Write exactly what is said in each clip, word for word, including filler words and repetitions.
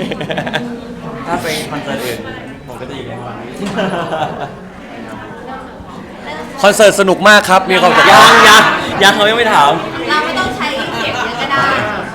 ถ้าเป็นคอนเสิร์ตอื่นผมก็จะอยู่ในห้องคอนเสิร์ตสนุกมากครับมีความสุขยังยังยังเขายังไม่ถามเราไม่ต้องใช้เสียงเยอะก็ได้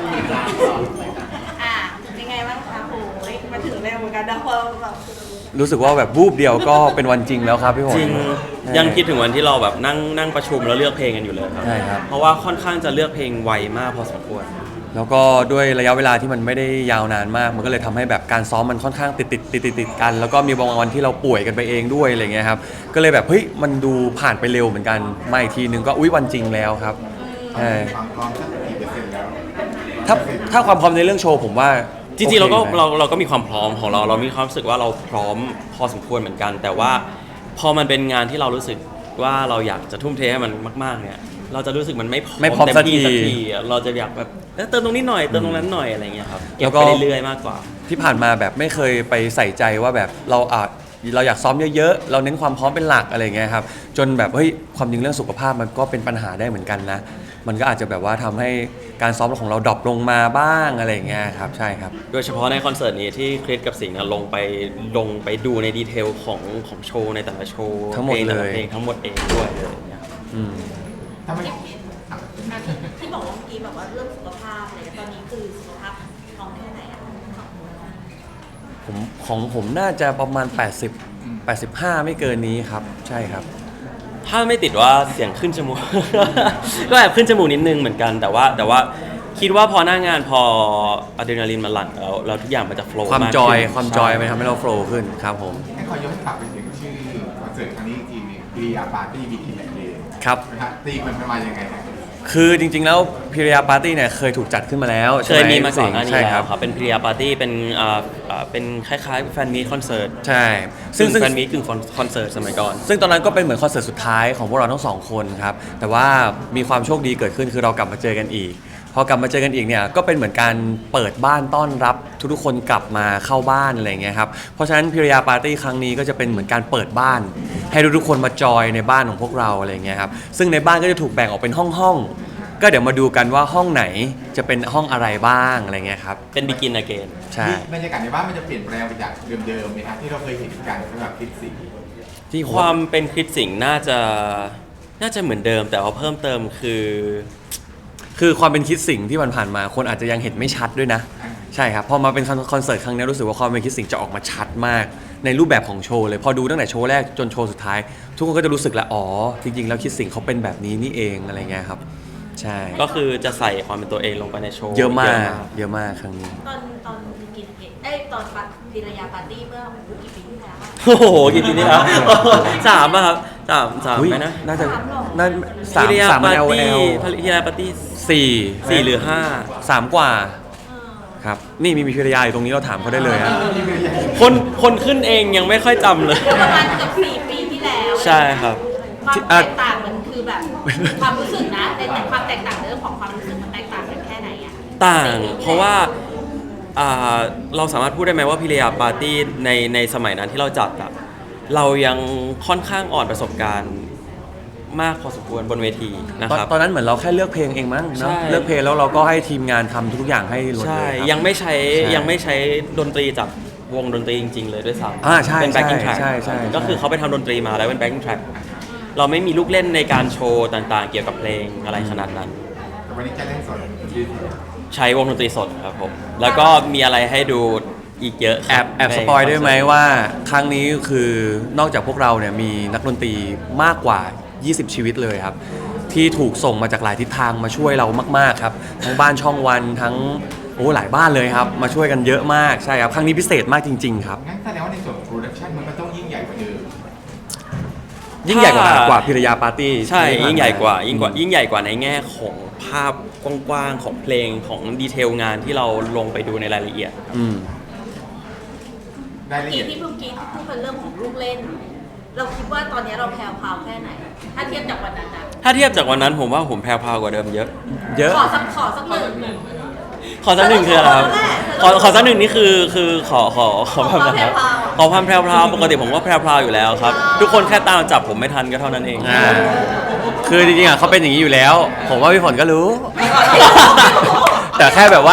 อ่ะยังไงบ้างคะโอ้ยมาถึงเร็วเหมือนกันนะพอแบบรู้สึกว่าแบบวูบเดียวก็เป็นวันจริงแล้วครับพี่ผมจริงยังคิดถึงวันที่เราแบบนั่งนั่งประชุมแล้วเลือกเพลงกันอยู่เลยครับใช่ครับเพราะว่าค่อนข้างจะเลือกเพลงไวมากพอสมควรแล้วก็ด้วยระยะเวลาที่มันไม่ได้ยาวนานมากมันก็เลยทำให้แบบการซ้อมมันค่อนข้างติดติดติดติดติดกันแล้วก็มีบางวันที่เราป่วยกันไปเองด้วยอะไรเงี้ยครับก็เลยแบบเฮ้ยมันดูผ่านไปเร็วเหมือนกันมาอีกทีนึงก็อุ้ยวันจริงแล้วครับใช่ความพร้อมสักกี่เปอร์เซ็นต์แล้วถ้าถ้าความพร้อมในเรื่องโชว์ผมว่าจริงๆเราก็เราเราก็มีความพร้อมของเราเรามีความรู้สึกว่าเราพร้อมพอสมควรเหมือนกันแต่ว่าพอมันเป็นงานที่เรารู้สึกว่าเราอยากจะทุ่มเทให้มันมากๆเนี่ยเราจะรู้สึกมันไม่พร้อมไม่พร้อมสักทีเราจะอยากแบบเติมตรงนี้หน่อยเติมตรงนั้นหน่อยอะไรเงี้ยครับเก็บไปเรื่อยๆมากกว่าที่ผ่านมาแบบไม่เคยไปใส่ใจว่าแบบเราอาจเราอยากซ้อมเยอะๆเราเน้นความพร้อมเป็นหลักอะไรเงี้ยครับจนแบบเฮ้ยความจริงเรื่องสุขภาพมันก็เป็นปัญหาได้เหมือนกันนะมันก็อาจจะแบบว่าทำให้การซ้อมของเราดรอปลงมาบ้างอะไรเงี้ยครับใช่ครับโดยเฉพาะในคอนเสิร์ตนี้ที่คริสกับสิงห์ลงไปลงไปดูในดีเทลของของโชว์ในแต่ละโชว์ทั้งหมดเลยเพลงทั้งหมดเองด้วยเลยเนี่ยอืมทำไมที่บอกว่าเมื่อกี้แบบว่าเรื่องสุขภาพอะไรตอนนี้คือสุขภาพน้องแค่ไหนอ่ะผมของผมน่าจะประมาณแปดสิบ แปดสิบห้าไม่เกินนี้ครับใช่ครับถ้าไม่ติดว่าเสียงขึ้นจมูก ก็แอบขึ้นจมูกนิดนึงเหมือนกันแต่ว่าแต่ว่าคิดว่าพอหน้างานพออะดรีนาลีนมันหลั่งแล้วแล้วทุกอย่างมันจะโฟล์ความจอยความจอยมันทำให้เราโฟล์ขึ้นครับผมให้ขอย้อนกลับไปถึงชื่อคอนเสิร์ตครั้งนี้อีกทีนึงพิริยาปาร์ตี้บีทีแมทเดย์ครับตีมันเป็นมายังไงครับคือจริงๆแล้วพิริยาปาร์ตี้เนี่ยเคยถูกจัดขึ้นมาแล้วเคยมีมาก่อนหน้านี้แล้วครับเป็นพิริยาปาร์ตี้เป็นอ่าเป็นคล้ายๆแฟนมีตคอนเสิร์ตใช่ซึ่งแฟนมีตกึ่งคอนเสิร์ตสมัยก่อนซึ่งตอนนั้นก็เป็นเหมือนคอนเสิร์ตสุดท้ายของพวกเราทั้งสองคนครับแต่ว่ามีความโชคดีเกิดขึ้นคือเรากลับมาเจอกันอีกพอกลับมาเจอกันอีกเนี่ยก็เป็นเหมือนการเปิดบ้านต้อนรับทุกๆคนกลับมาเข้าบ้านอะไรเงี้ยครับเพราะฉะนั้นพิริยาปาร์ตี้ครั้งนี้ก็จะเป็นเหมือนการเปิดบ้านให้ทุกๆคนมาจอยในบ้านของพวกเราอะไรเงี้ยครับซึ่งในบ้านก็จะถูกแบ่งออกเป็นห้องๆก็เดี๋ยวมาดูกันว่าห้องไหนจะเป็นห้องอะไรบ้างอะไรเงี้ยครับเป็น begin again ใช่บรรยากาศในบ้านมันจะเปลี่ยนแปลงไปจากเดิมๆไหมครับที่เราเคยเห็นกันสำหรับคริสสิงห์ที่ความเป็นคริสสิงห์น่าจะน่าจะเหมือนเดิมแต่ว่าเพิ่มเติมคือคือความเป็นคิดสิ่งที่มันผ่านมาคนอาจจะยังเห็นไม่ชัดด้วยนะใช่ครับพอมาเป็นคอนเสิร์ตครั้งนี้รู้สึกว่าความเป็นคิดสิ่งจะออกมาชัดมากในรูปแบบของโชว์เลยพอดูตั้งแต่โชว์แรกจนโชว์สุดท้ายทุกคนก็จะรู้สึกแล้วอ๋อจริงๆแล้วคิดสิ่งเขาเป็นแบบนี้นี่เองอะไรเงี้ยครับใช่ก็คือจะใส่ความเป็นตัวเองลงไปในโชว์เยอะมากเยอะมากครั้งนี้ตอนตอนกินเอ้ตอนพิริยาปาร์ตี้เมื่อกี่ปีที่แล้วโอ้โหกี่ปีนี่ครับสามป่ะครับสามสามไหมนะน่าจะน่าสามสามเอลเอลพิริยาปาร์ตี้สี่สี่หรือห้าสามกว่าครับนี่มีมีพิริยาอยู่ตรงนี้เราถามเขาได้เลยฮะคนคนขึ้นเองยังไม่ค่อยจำเลยประมาณเกือบสี่ปีที่แล้วใช่ครับความแตกต่างมันคือแบบความรู้สึกนะในความแตกต่างเรื่องของความรู้สึกมันแตกต่างกันแค่ไหนอะต่างเพราะว่าเราสามารถพูดได้ไหมว่าพิริยาปาร์ตี้ในในสมัยนั้นที่เราจัดอะเรายังค่อนข้างอ่อนประสบการณ์มากพอสมควรบนเวทีนะครับตอนนั้นเหมือนเราแค่เลือกเพลงเองมั้งเนาะเลือกเพลงแล้วเราก็ให้ทีมงานทำทุกอย่างให้หมดเลยยังไม่ใช้ยังไม่ใช้ดนตรีจากวงดนตรีจริงๆเลยด้วยซ้ำเป็น backing track ก็คือเขาไปทำดนตรีมาแล้วเป็น backing track เราไม่มีลูกเล่นในการโชว์ต่างๆเกี่ยวกับเพลงอะไรขนาดนั้นวันนี้จะเล่นสดใช้วงดนตรีสดครับผมแล้วก็มีอะไรให้ดูอีกเยอะแอบแอบสปอยได้ไหมว่าครั้งนี้คือนอกจากพวกเราเนี่ยมีนักดนตรีมากกว่ายี่สิบชีวิตเลยครับที่ถูกส่งมาจากหลายทิศทางมาช่วยเรามากๆครับทั้งบ้านช่องวันทั้งโอ้หลายบ้านเลยครับมาช่วยกันเยอะมากใช่ครับครั้งนี้พิเศษมากจริงๆครับงั้นแสดงว่าในส่วนโปรดักชันมันก็ต้องยิ่งใหญ่กว่าเดิมยิ่งใหญ่กว่ากว่าพิริยาปาร์ตี้ใช่ยิ่งใหญ่กว่ายิ่งกว่ายิ่งใหญ่กว่าในแง่ของภาพกว้างๆของเพลงของดีเทลงานที่เราลงไปดูในรายละเอียดอืมรายละเอียดที่เมื่อกี้ที่พูดเป็นเรื่องของลูกเล่นเราคิดว่าตอนนี้เราแพรวพราวแค่ไหนถ้าเทียบจากวันนั้นนะถ้าเทียบจากวันนั้นผมว่าผมแพรวพราวกว่าเดิมเยอะเยอะขอสักขอสักหนึ่งขอสักหนึ่งคืออะไรครับขอขอสักหนึ่งนี่คือคือขอขอขอความแพรวขอความแพรวพราวปกติผมก็แพรวพราวอยู่แล้วครับทุกคนแค่ตามจับผมไม่ทันก็เท่านั้นเองคือจริงๆอ่ะเขาเป็นอย่างนี้อยู่แล้วผมว่าพี่ฝนก็รู้แต่แค่แบบว่า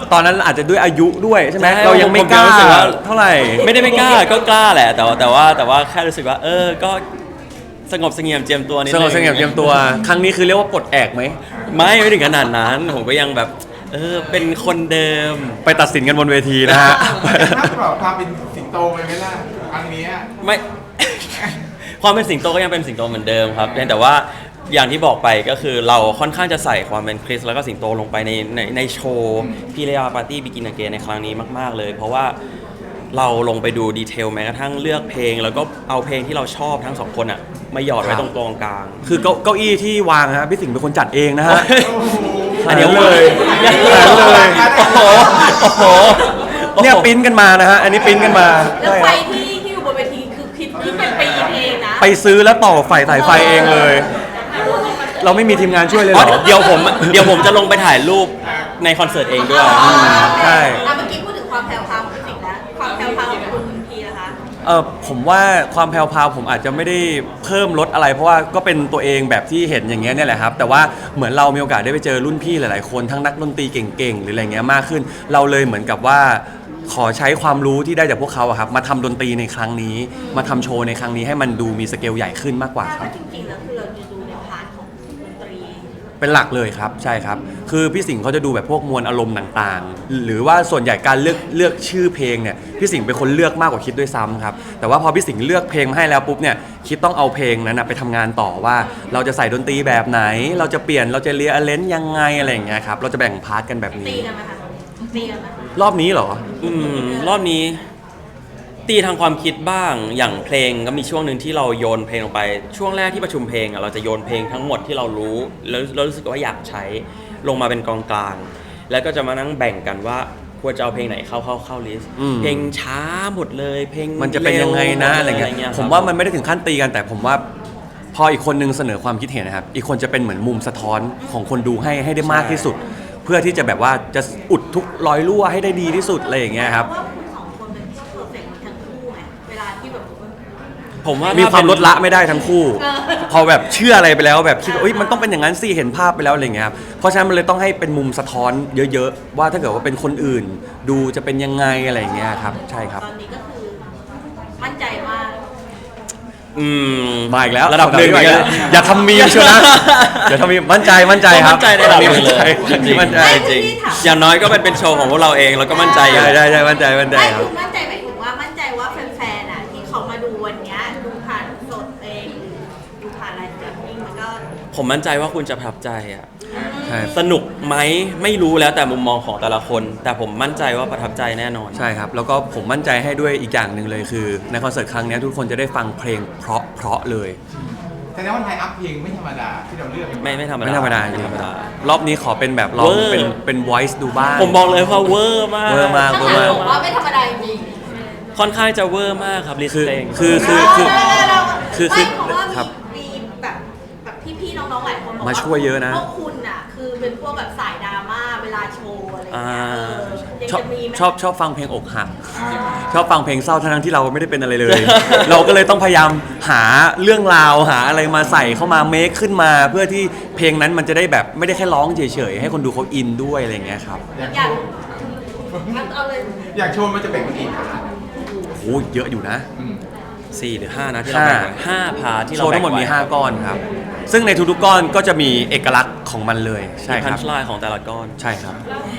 ตอนนั้นอาจจะด้วยอายุด้วยใช่ไหมใช่เรายังไม่ผมกล้ารู้สึกว่าเท่าไหร่ไม่ได้ไม่กล้าก็กล้าแหละ แต่ว่าแต่ว่าแต่ว่าแค่รู้สึกว่า เออก็สงบเสงี่ยมเจียมตัวนิดสนึงงบเสงี่ยมเจียมตัว ครั้งนี้คือเรียกว่าปลดแอกไหมไม่ไม่ถึงขนาดนั้น ผมก็ยังแบบ เออเป็นคนเดิมไปตัดสินกันบนเวทีนะฮะถ้าปรับความเป็นสิงโตไปไหมล่ะครั้งเนี้ยไม่ ความเป็นสิงโตก็ยังเป็นสิงโตเหมือนเดิมครับเพียงแต่ว่าอย่างที่บอกไปก็คือเราค่อนข้างจะใส่ความเป็นคริสแล้วก็สิงโตลงไปในในในโชว์พีเรียปาร์ตี้บิกินเกในครั้งนี้มากๆเลย เพราะว่าเราลงไปดูดีเทลแม้กระทั่งเลือกเพลง แล้วก็เอาเพลงที่เราชอบทั้งสองคนอ่ะมาหยอดไว้ตรงกลางกลางคือเก้าเก้าอี้ที่วางฮะพี่สิงห์เป็นคนจัดเองนะฮะอันเดียวเลเลยเลยโอ้โหโอ้โหเนี่ยปริ้นกันมานะฮะ อันนี้ปริ้นกันมาแล้วใช่ไฟครับที่ที่อยู่บนเวทีคือคิดที่เป็นปีนเองนะไปซื้อแล้วต่อไฟสายไฟเองเลย เราไม่มีทีมงานช่วยเลยเหอ๋รออเดี๋ยวผมเดี๋ยวผมจะลงไปถ่ายรูปในคอนเสิร์ตเองด้วยใช่อ่ะเมื่อกี้พูดถึงความแพรวพราวของพี่สิงห์แล้วความแพรวพราวของคุณพีนะคะเออผมว่าความแพรวๆผมอาจจะไม่ได้เพิ่มลดอะไร เพราะว่าก็เป็นตัวเองแบบที่เห็นอย่างเงี้ยเนี่ยแหละครับ แต่ว่าเหมือนเรามีโอกาสได้ไปเจอรุ่นพี่หลายๆคนทั้งนักดนตรีเก่งๆหรืออะไรเงี้ยมากขึ้น เราเลยเหมือนกับว่าขอใช้ความรู้ที่ได้จากพวกเขาอะครับมาทำดนตรีในครั้งนี้ มาทำโชว์ในครั้งนี้ให้มันดูมีสเกลใหญ่ขึ้นมากกว่าแต่ครัว่าบจริงๆแล้วคือเราจะดูในพาร์ทของดนตรีเป็นหลักเลยครับใช่ครับคือพี่สิงห์เขาจะดูแบบพวกมวลอารมณ์ต่างๆ หรือว่าส่วนใหญ่การเลือกเลือกชื่อเพลงเนี่ยพี่สิงห์เป็นคนเลือกมากกว่าคิดด้วยซ้ำครับแต่ว่าพอพี่สิงห์เลือกเพลงมาให้แล้วปุ๊บเนี่ยคิดต้องเอาเพลงนั้นนะไปทำงานต่อว่า เราจะใส่ดนตรีแบบไหน เราจะเปลี่ยนเราจะเรียอเลนยังไงอะไรอย่างเงี้ยครับเราจะแบ่งพาร์ทกันแบบตีนี้กันไหมคะตีกันไหมรอบนี้เหรออืมรอบนี้ ตีทางความคิดบ้างอย่างเพลงก็มีช่วงหนึ่งที่เราโยนเพลงลงไปช่วงแรกที่ประชุมเพลงอ่ะเราจะโยนเพลงทั้งหมดที่เรารู้แล้วเรารู้สึกว่าอยากใช้ลงมาเป็นกองกลางแล้วก็จะมานั่งแบ่งกันว่าควรจะเอาเพลงไหนเข้าเข้าเข้าลิสต์อืมเพลงช้าหมดเลย เพลงมันจะเป็นยังไงนะอะไรเร็วเงี้ยคบผมว่ามันไม่ได้ถึงขั้นตีกันแต่ผมว่าพออีกคนนึงเสนอความคิดเห็นนะครับอีกคนจะเป็นเหมือนมุมสะท้อนของคนดูให้ให้ได้มากที่สุด เพื่อที่จะแบบว่าจะอุดทุกรอยรั่วให้ได้ดีที่สุดอะไรอย่างเงี้ยครับเพาะว่าคุณสองคนเป็นที่เพอร์เฟกต์ทั้งคู่ไงเวลาที่แบบผมว่ามีมีความลดละไม่ได้ทั้งคู่เออพอแบบเชื่ออะไรไปแล้วแบบคิดว่าเอ้ยมันต้องเป็นอย่างนั้นสิเห็นภาพไปแล้วอะไรเงี้ยครับเพราะฉะนั้นมันเลยต้องให้เป็นมุมสะท้อนเยอะๆว่าถ้าเกิดว่าเป็นคนอื่น ดูจะเป็นยังไงอะไรอย่างเงี้ยครับใช่ครับตอนนี้ก็คือมั่นใจมากอืมมาอีกแล้วระดับหนึ่งอีกแล้วอย่าทำมีมเชียวนะอย่าทำมีมมั่นใจมั่นใจครับมั่นใจในระดับหนึ่งเลยมั่นใจมั่นใจไม่จริงที่ถามอย่างน้อยก็เป็นเป็นโชว์ของพวกเราเองแล้วก็มั่นใจอยู่ใช่ใช่ใช่มั่นใจมั่นใจไม่ครัคืบอมั่นใจหมายถึงว่ามั่นใจว่าแฟนๆอ่ะที่เขามาดูวันเนี้ยดูผ่านสดเองดูผ่านไลฟ์สตรีมมิ่งมันก็ผมมั่นใจว่าคุณจะประทับใจอ่ะใช่สนุกไหมไม่รู้แล้วแต่มุมมองของแต่ละคน แต่ผมมั่นใจว่าประทับใจแน่นอนใช่ครับแล้วก็ผมมั่นใจให้ด้วยอีกอย่างหนึ่งเลยคือ ในคอนเสิร์ตครั้งนี้ทุกคนจะได้ฟังเพลงเพราะเพราะเลยแต่ในวันไทยอัพเพลงไม่ธรรมดาที่เราเลือกไม่ไม่ธรรมดาไม่ธรรมดาจไม่ริงธรรมดารอบนี้ขอเป็นแบบลองเวอร์เป็นเป็น voice ดูบ้างผมบอกเลยว่าเวอร์มากเวอร์มากถ้างั้นผมว่าไม่ธรรมดาจริงค่อนข้างจะเวอร์มากครับลิสคือเพลงคือคือคือ คือคือไม่เพราะว่าครับมีแบบแบบพี่ๆน้องๆหลายคนบอกมาช่วยเยอะนะพวกคุณอ่ะคือเป็นพวกแบบสายดราม่าเวลาโชว์อะไรอย่างอ่าเงี้ยเออยังชอบจะมีไหมชอบชอบฟังเพลงอกหัก ชอบฟังเพลงเศร้าทั้งๆที่เราไม่ได้เป็นอะไรเลย เราก็เลยต้องพยายามหาเรื่องราวหาอะไรมาใส่เข้ามาเมคขึ้นมา เพื่อที่เพลงนั้นมันจะได้แบบไม่ได้แค่ร้องเฉยๆให้คนดูเขาอินด้วยอะไรอย่างเงี้ยครับอยากอยากโชว์เอาเลยอยากโชว์มันจะแบ่งเป็นกี่พาร์ทโอ้เยอะอยู่นะอืมสี่หรือห้านะที่เราแบ่งไว้ห้าพาร์ทที่โชเราว์แบ่ทั้งหมดไว้มีห้าก้อนครับ ซึ่งในทุกๆก้อนก็จะมีเอกลักษณ์ของมันเลยใช่มีคพันรับช์ไลน์ของแต่ละก้อนใช่ครับ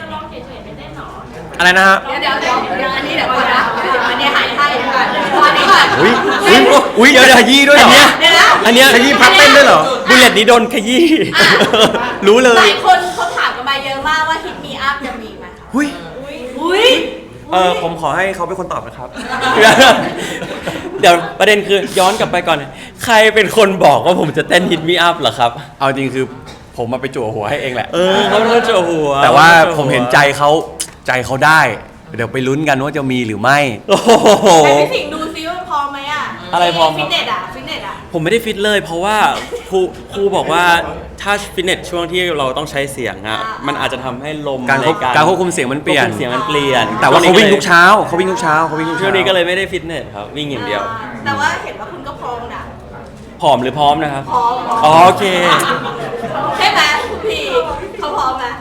อะไรนะฮะเดี๋ยวเดี๋ยวเดี๋ยวเดี๋ยวอันนี้เดี๋ยวก่อนนะเดี๋ยวอันนี้หายให้เดี๋ยวก่อนอันนี้ก่อนอุ้ยอุ้ยอุ้ยเดี๋ยวขยี้ด้วยเหรอเดี๋ยวนะอันเนี้ยขยี้พับเต้นด้วยเหรอบุลเลตนี้โดนขยี้รู้เลหยลายคนเขาถามกันมาเยอะมากว่าฮิตมีอัพจะมีไหมคะอุ้ยอุ้ยอุ้ยเออผมขอให้เขาเป็นคนตอบนะครับเดี๋ยวประเด็นคือย้อนกลับไปก่อน ใครเป็นคนบอกว่าผมจะเต้นฮิตมีอัพเหรอครับเอาจริงคือผมมาไปจั่วหัวให้เองแหละเออเขาเป็นคนเจาะหัวแต่ว่าขป็คผมเห็นใจเขาใจเขาได้ เดี๋ยวไปลุ้นกันว่าจะมีหรือไม่โอ้โหแต่พี่สิงห์ดูซิว่าพร้อมไหมอ่ะอะไรพร้อมครับฟิตเนสอ่ะฟิตเนสอ่ะผมไม่ได้ฟิตเลย เพราะว่าครูครูบอกว่าถ้าฟิตเนสช่วงที่เราต้องใช้เสียงอ่ะอ่ามัมันอาจจะทำให้ลมการควบในการควบคุมเสียงมันเปลี่ยนควบคุมเสียงมันเปลี่ยนแต่ว่าเขาวิ่งทุกช้เช้าเขาวิ่งทุกเช้าเขาวิ่งทุกช่เช้าวงนี้ก็เลยไม่ได้ฟิตเนสครับวิ่งอย่างเดียวแต่ว่าเห็นว่าคุณก็พร้อมนะผอมหรือพร้อมนะครับพร้อมอ๋อโอเคใช่ไหมคุณพีเขาพร้อมไหม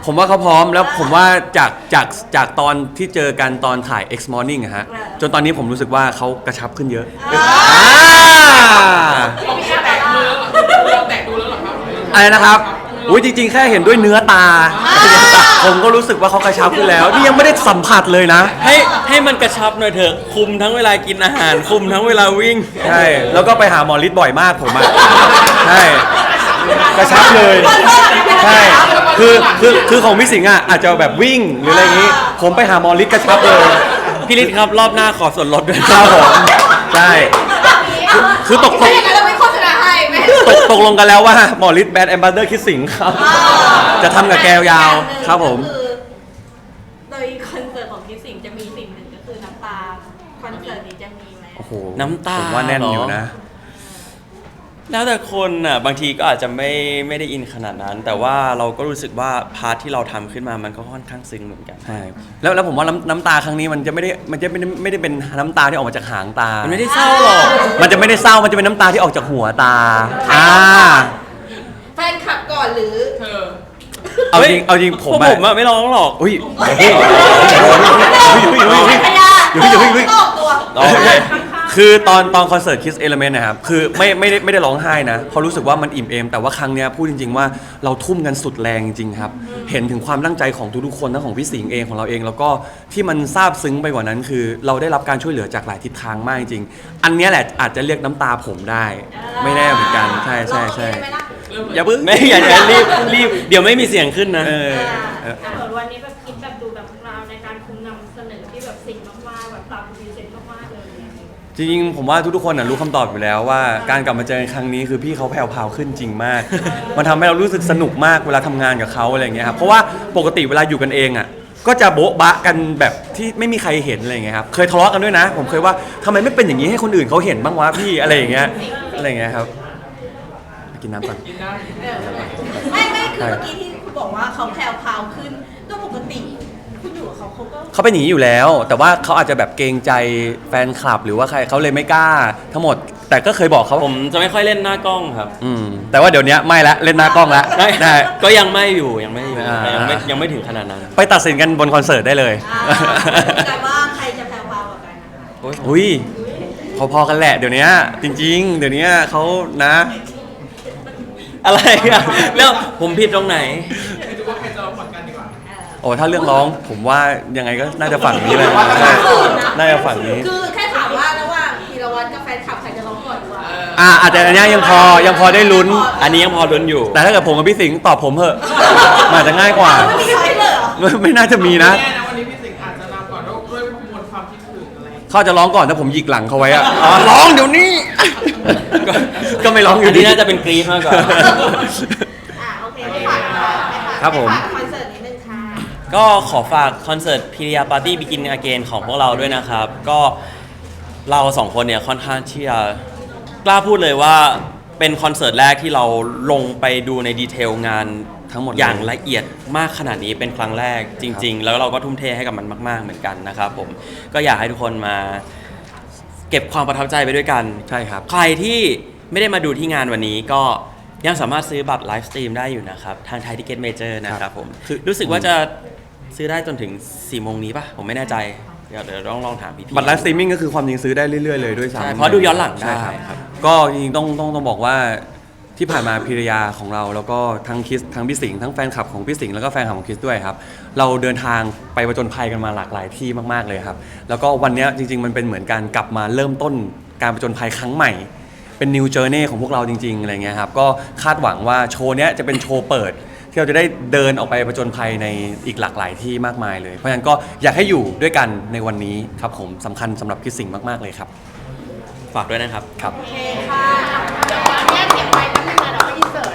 ผมว่าเขาพร้อมแล้วผมว่าจากจากจากตอนที่เจอกันตอนถ่าย X Morning อะฮะจนตอนนี้ผมรู้สึกว่าเขากระชับขึ้นเยอะอ่าเราแค่แตะมือเราแตะดูแล้วเหรอครับอะไรนะครับอุ้ยจริงๆ แค่เห็นด้วยเนื้อตา ผมก็รู้สึกว่าเขากระชับขึ้นแล้ว นี่ยังไม่ได้สัมผัสเลยนะให้ให้มันกระชับหน่อยเถอะคุมทั้งเวลากินอาหาร คุมทั้งเวลาวิ่งใช่ แล้วก็ไปหาหมอฤทธิ์บ่อยมากผมอ่ะ ใช่ กระชับเลย ใช่ คือคือคือของพี่สิงห์อ่ะอาจจะแบบวิ่งหรืออะไรอย่างนี้ ผมไปหาหมอฤทธิ์กระชับเลยพี่ฤทธิ์ครับรอบหน้าขอส่วนลดด้วยครับผม ใช่ คือคือตกตถ้าก อย่างนั้นเราไม่โฆษณาให้ไหมตกตกลงกันแล้วว่าหมอฤทธิ์แบรนด์แอมบาสเดอร์คิดสิงห์ครับ จะทำกับแกยาวๆครับผมก็อโดยคอนเสิร์ตของคิดสิ่งจะมีสิ่งหนึ่งก็คือน้ำตาคอนเสิร์ตนี้จะมีไหมโอ้โหน้ำตาผมว่าแน่นอยู่นะแล้วแต่คนอ่ะบางทีก็อาจจะไม่ไม่ได้อินขนาดนั้น แต่ว่าเราก็รู้สึกว่าพาร์ทที่เราทำขึ้นมามันก็ค่อนข้างซึ้งเหมือนกันใช่แล้วแล้วผมว่าน้ำน้ำตาครั้งนี้มันจะไม่ได้มันจะไม่ได้ไม่ได้เป็นน้ำตาที่ออกมาจากหางตามันไม่ได้เศร้าหรอกมันจะไม่ได้เศร้ามันจะเป็นน้ำตาที่ออกจากหัวตาอ่าแฟนคลับก่อนหรือเธอเอาจริงเอาจริงผมพวกอะผมอะไม่ร้องหรอกอุ้ยเฮ้ยเฮ้ยเฮ้ยเฮ้ยเฮ้ยพยาเฮ้ยเฮ้ยเฮ้ยตอบตัวโอเคคือตอนตอนคอนเสิร์ต Kiss Element นะครับคือไม่ไม่ได้ไม่ได้ร้องไห้นะเพราะรู้สึกว่ามันอิ่มเอมแต่ว่าครั้งเนี้ยพูดจริงๆว่าเราทุ่มกันสุดแรงจริงๆครับเห็นถึงความตั้งใจของทุกๆคนทั้งของพี่สิงห์เองของเราเอง แล้วก็ที่มันซาบซึ้งไปกว่านั้นคือ เราได้รับการช่วยเหลือจากหลายทิศทางมากจริงๆอันเนี้ยแหละอาจจะเรียกน้ำตาผมได้ ไม่แน่เหมือนกันใช่ใช่ใช่ลองคิดได้ไหมล่ะอย่าเพิ่งไม่อย่าอย่ารีบรีบเดี๋ยวไม่มีเสียงขึ้นนะเออเอออ่ะส่วนวันนี้แบบคิดแบบดูแบบเราในการคุมนำเสนอที่แบบสิ่งมากๆแบบตามพรีเซนต์มากๆเลยจริงๆผมว่าทุกๆคนน่ะรู้คำตอบอยู่แล้วว่าการกลับมาเจอกันครั้งนี้คือพี่เขาแผ่วพราวขึ้นจริงมาก มันทำให้เรารู้สึกสนุกมากเวลาทำงานกับเขาอะไรอย่างเงี้ยครับเพราะว่าปกติเวลาอยู่กันเองอ่ะก็จะโบ๊ะบะกันแบบที่ไม่มีใครเห็นอะไรอย่างเงี้ยครับเคยทะเลาะกันด้วยนะ ผมเคยว่าทำไมไม่เป็นอย่างนี้ให้คนอื่นเขาเห็นบ้างวะพี่อะไรอย่างเงี้ยอะไรอย่างเงี้ยครับกินน้ำก่อนกินได้ไม่ไม่คือเมื่อกี้ที่คุณบอกว่าเขาแผ่วพราวขึ้นก็ปกติคุณอยู่กับเขาเขาก็เขาเป็นอย่างนี้อยู่แล้ว แต่ว่าเขาอาจจะแบบเกรงใจแฟนคลับ หรือว่าใครเขาเลยไม่กล้า ทั้งหมด แต่ก็เคยบอกเขาผมจะไม่ค่อยเล่นหน้ากล้องครับอืมแต่ว่าเดี๋ยวนี้ไม่ละเล่นหน้ากล้องละได้ได้ก็ยังไม่อยู่ยังไม่อยู่อ่ายังไม่ยังไม่ถึงขนาดนั้นไปตัดสินกันบนคอนเสิร์ตได้เลยอ่าแต่ว่าใครจะแผ่วพราวกว่ากันนะคะอุ้ยพอๆกันแหละเดี๋ยวนี้จริง ๆ เดี๋ยวนี้เขานะอะไรอะแล้วผมผิดตรงไหนไปดูว่าใครจะร้องก่อนกันดีกว่าโอ้ถ้าเรื่องร้องผมว่ายังไงก็น่าจะฝั่งนี้เลยใช่น่าจะฝั่งนี้คือแค่ถามว่าระหว่างธีรวัตรกับแฟนคลับใครจะร้องก่อนดีกว่าอ่าอาจจะอันเนี้ยยังพอยังพอได้ลุ้นอันนี้ยังพอลุ้นอยู่แต่ถ้าเกิดผมกับพี่สิงห์ตอบผมเถอะมันอาจจะง่ายกว่าไม่มีใครเลยเหรอไม่ไม่น่าจะมีนะแน่นะวันนี้พี่สิงห์อาจจะนำก่อนด้วยมวลความคิดถึงอะไรเขาจะร้องก่อนถ้าผมหยิกหลังเขาไว้อะอ๋อร้องเดี๋ยวนี้ ก็ก็ไม่ร้องออัยู่นดีนี้น่าจะเป็นกรี๊ดมากกว่าอ่าโอเคไม่ฝากค่ะไม่ฝากครับผมฝากคอนเสิร์ตนิดนึงค่ะก็ขอฝากคอนเสิร์ตพิริยาปาร์ตี้บิกินอเกนของพวกเราด้วยนะครับ ก็เราสองคนเนี่ยค่อนข้างที่จะกล้าพูดเลยว่าเป็นคอนเสิร์ตแรกที่เราลงไปดูในดีเทลงานทั้งหมดเลยอย่างละเอียดมากขนาดนี้เป็นครั้งแรกจริง ๆ แล้วเราก็ทุ่มเทให้กับมันมาก ๆเหมือนกันนะครับผมก็อยากให้ทุกคนมาเก็บความประทับใจไปด้วยกันใช่ครับใครที่ไม่ได้มาดูที่งานวันนี้ก็ยังสามารถซื้อบัตรไลฟ์สตรีมได้อยู่นะครับ ทางไทยทิเก็ตเมเจอร์นะครับผมคือรู้สึกว่าจะซื้อได้จนถึง4โมงนี้ป่ะ ผมไม่แน่ใจ เดี๋ยวเดี๋ยวลองลองถามพี่ๆบัตรไลฟ์สตรีมมิ่งก็คือความจริงซื้อได้เรื่อยๆเลยด้วยซ้ำใช่เพราะดูย้อนหลังได้ใช่ครับครับก็จริงๆต้องต้องต้องบอกว่าที่ผ่านมาพิรยาของเรา แล้วก็ทั้งคิสทั้งพี่สิงห์ทั้งแฟนคลับของพี่สิงห์แล้วก็แฟนคลับของคิสด้วยครับเราเดินทางไปประจนภัยกันมาหลากหลายที่มากๆเลยครับแล้วก็วันเนี้ยจริง ๆ มันเป็นเหมือนการกลับมาเริ่มต้นการประจนภัยครั้งใหม่ เป็น new journey ของพวกเราจริงๆอะไรเงี้ยครับก็คาดหวังว่าโชว์เนี้ยจะเป็นโชว์เปิด ที่เราจะได้เดินออกไปประจนภัยในอีกหลากหลายที่มากมายเลย เพราะฉะนั้นก็อยากให้อยู่ด้วยกันในวันนี้ครับผมสำคัญสำหรับคิดสิ่งมากๆเลยครับฝากด้วยนะครับครับโอเคค่ะเดี๋ยวขออนุญาตเก็บไว้แป๊บนึงนะเดี๋ยวไปอินเสิร์ต